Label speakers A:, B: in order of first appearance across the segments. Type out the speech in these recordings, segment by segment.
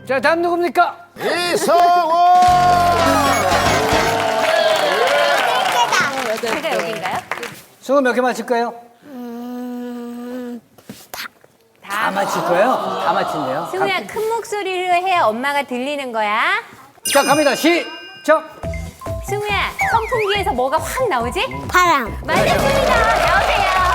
A: 자, 다음 누굽니까?
B: 이성훈!
C: 제가 여긴가요?
A: 승우 몇 개 맞힐 거예요? 다 맞힐 거예요? 다 맞힌대요.
C: 승우야, 큰 목소리로 해야 엄마가 들리는 거야.
A: 자, 갑니다. 시작!
C: 승우야, 선풍기에서 뭐가 확 나오지?
D: 파랑.
C: 맞았습니다. 나오세요.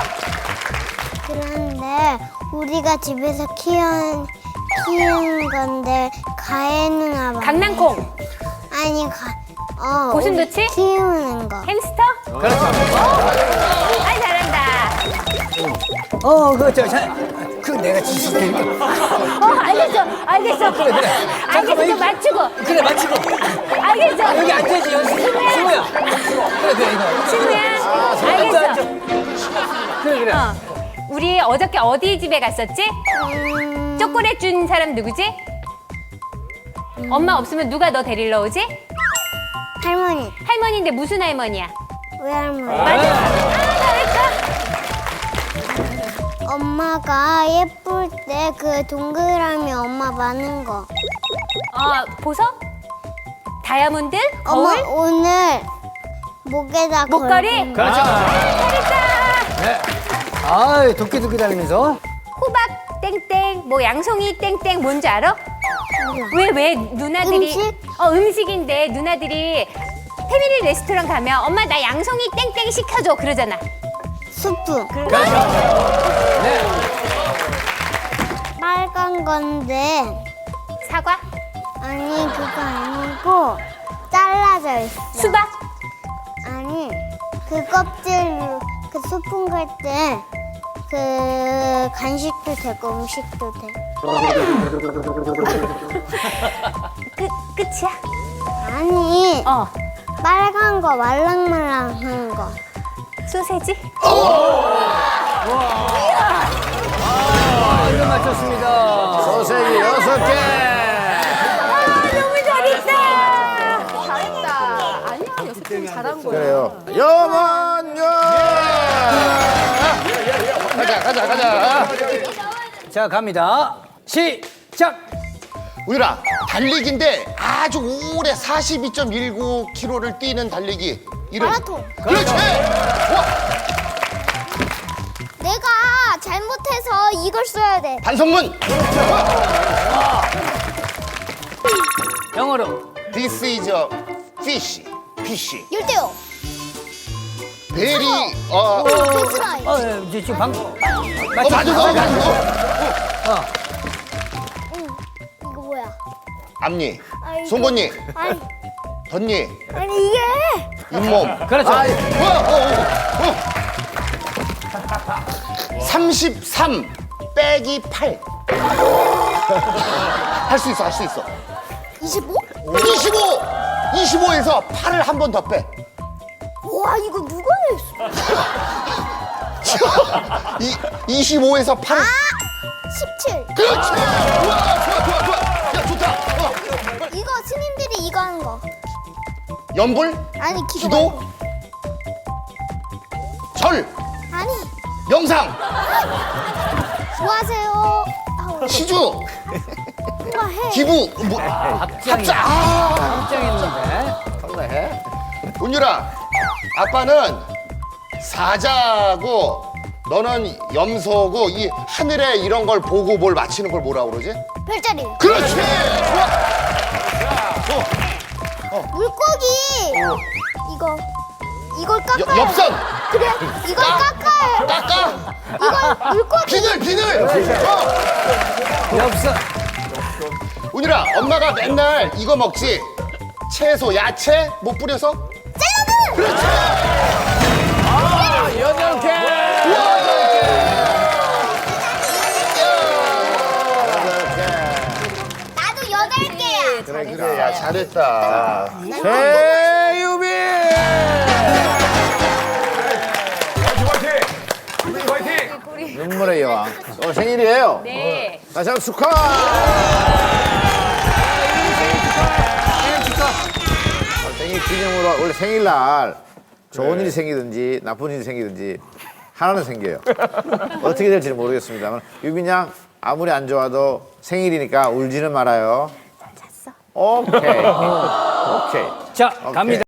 D: 그런데 우리가 집에서 키우는 건데 가해는 아마
C: 강낭콩,
D: 아니
C: 고슴도치?
D: 우리 키우는 거.
C: 햄스터?
A: 그렇죠.
C: 아, 잘한다.
A: 그 내가 지실게.
C: 알겠어. 알겠어, 좀 맞추고.
A: 그래, 맞히고.
C: 알겠어.
A: 여기 앉아야지, 여기. 승우야. 그래, 이거.
C: 승우야, 알겠어.
A: 그래.
C: 우리 어저께 어디 집에 갔었지? 초콜릿 준 사람 누구지? 엄마 없으면 누가 너 데리러 오지?
D: 할머니,
C: 할머니인데 무슨 할머니야?
D: 외할머니.
C: 맞았어. 아, 잘했어.
D: 엄마가 예쁠 때 그 동그라미 엄마 많은 거.
C: 보석? 다이아몬드?
D: 엄마
C: 거울?
D: 오늘 목에다
C: 목걸이?
D: 걸고
A: 그렇죠.
C: 잘했다.
A: 네. 아, 도끼 다니면서.
C: 호박 땡땡, 뭐 양송이 땡땡 뭔지 알아? 왜 누나들이
D: 음식?
C: 음식인데 누나들이 패밀리 레스토랑 가면 엄마 나 양송이 땡땡 시켜줘 그러잖아.
D: 수프.
A: 네.
D: 빨간 건데
C: 사과?
D: 아니 그거 아니고 잘라져 있어.
C: 수박?
D: 아니 그 껍질로 그 소풍 갈 때 그 간식도 되고 음식도 돼.
C: 끝이야?
D: 아니 빨간 거 말랑말랑한 거.
C: 소세지?
A: 이거 맞췄습니다.
B: 소세지 6개!
C: 너무 잘했다.
E: 잘했다. 아니야, 연습 잘한 거야.
B: 그래요. 영원요! 가자.
A: 자, 갑니다. 시작!
B: 우유라, 달리기인데 아주 오래 42.19km를 뛰는 달리기. 이름.
D: 마라톤.
B: 그렇지! 좋아!
D: 내가 잘못해서 이걸 써야 돼.
B: 반성문!
A: 영어로.
B: This is a fish. fish.
D: 열대요.
B: 베리,
D: 베트라이.
A: 이제 지금 방금.
B: 맞아.
D: 이거 뭐야?
B: 앞니,
D: 아이고.
B: 송곳니,
D: 아니
B: 덧니,
D: 아니 이게
B: 잇몸.
A: 그렇죠.
B: 33 빼기 8. 할 수 있어.
D: 25?
B: 25에서 8을 한 번 더 빼.
D: 와 이거 누가 냈어?
B: 25에서 8을.
D: 17.
B: 그렇지. 좋아. 야, 좋다.
D: 이거 스님들이 이거 하는 거.
B: 연불,
D: 아니
B: 기도, 절,
D: 아니
B: 명상,
D: 좋아하세요.
B: 시주,
D: 누가 해?
B: 기부,
A: 합장.
B: 합장.
A: 합장했는데.
B: 운율아, 아빠는 사자고 너는 염소고 이 하늘에 이런 걸 보고 뭘 맞히는 걸 뭐라고 그러지?
D: 별자리.
B: 그렇지. 좋아.
D: 물고기. 이걸 깎아요.
B: 엽선.
D: 그래. 이걸 깎아요.
B: 깎아.
D: 이걸 물고기.
B: 비늘.
A: 엽서.
B: 운율아, 엄마가 맨날 이거 먹지. 채소, 야채 못 뿌려서.
D: 샐러드.
B: 그렇지.
A: 여덟 개.
D: 나도 8개야.
B: 그래. 야, 잘했다. 최유빈. 눈물의 여왕. 오늘 생일이에요.
C: 네.
B: 다시 한번 축하. 생일 기념으로 원래 생일날 좋은 일이 생기든지 나쁜 일이 생기든지 하나는 생겨요. 어떻게 될지는 모르겠습니다만 유빈 양
F: 아무리 안 좋아도 생일이니까 울지는 말아요. 잘 잤어. 오케이. 오케이.
A: 자, 갑니다.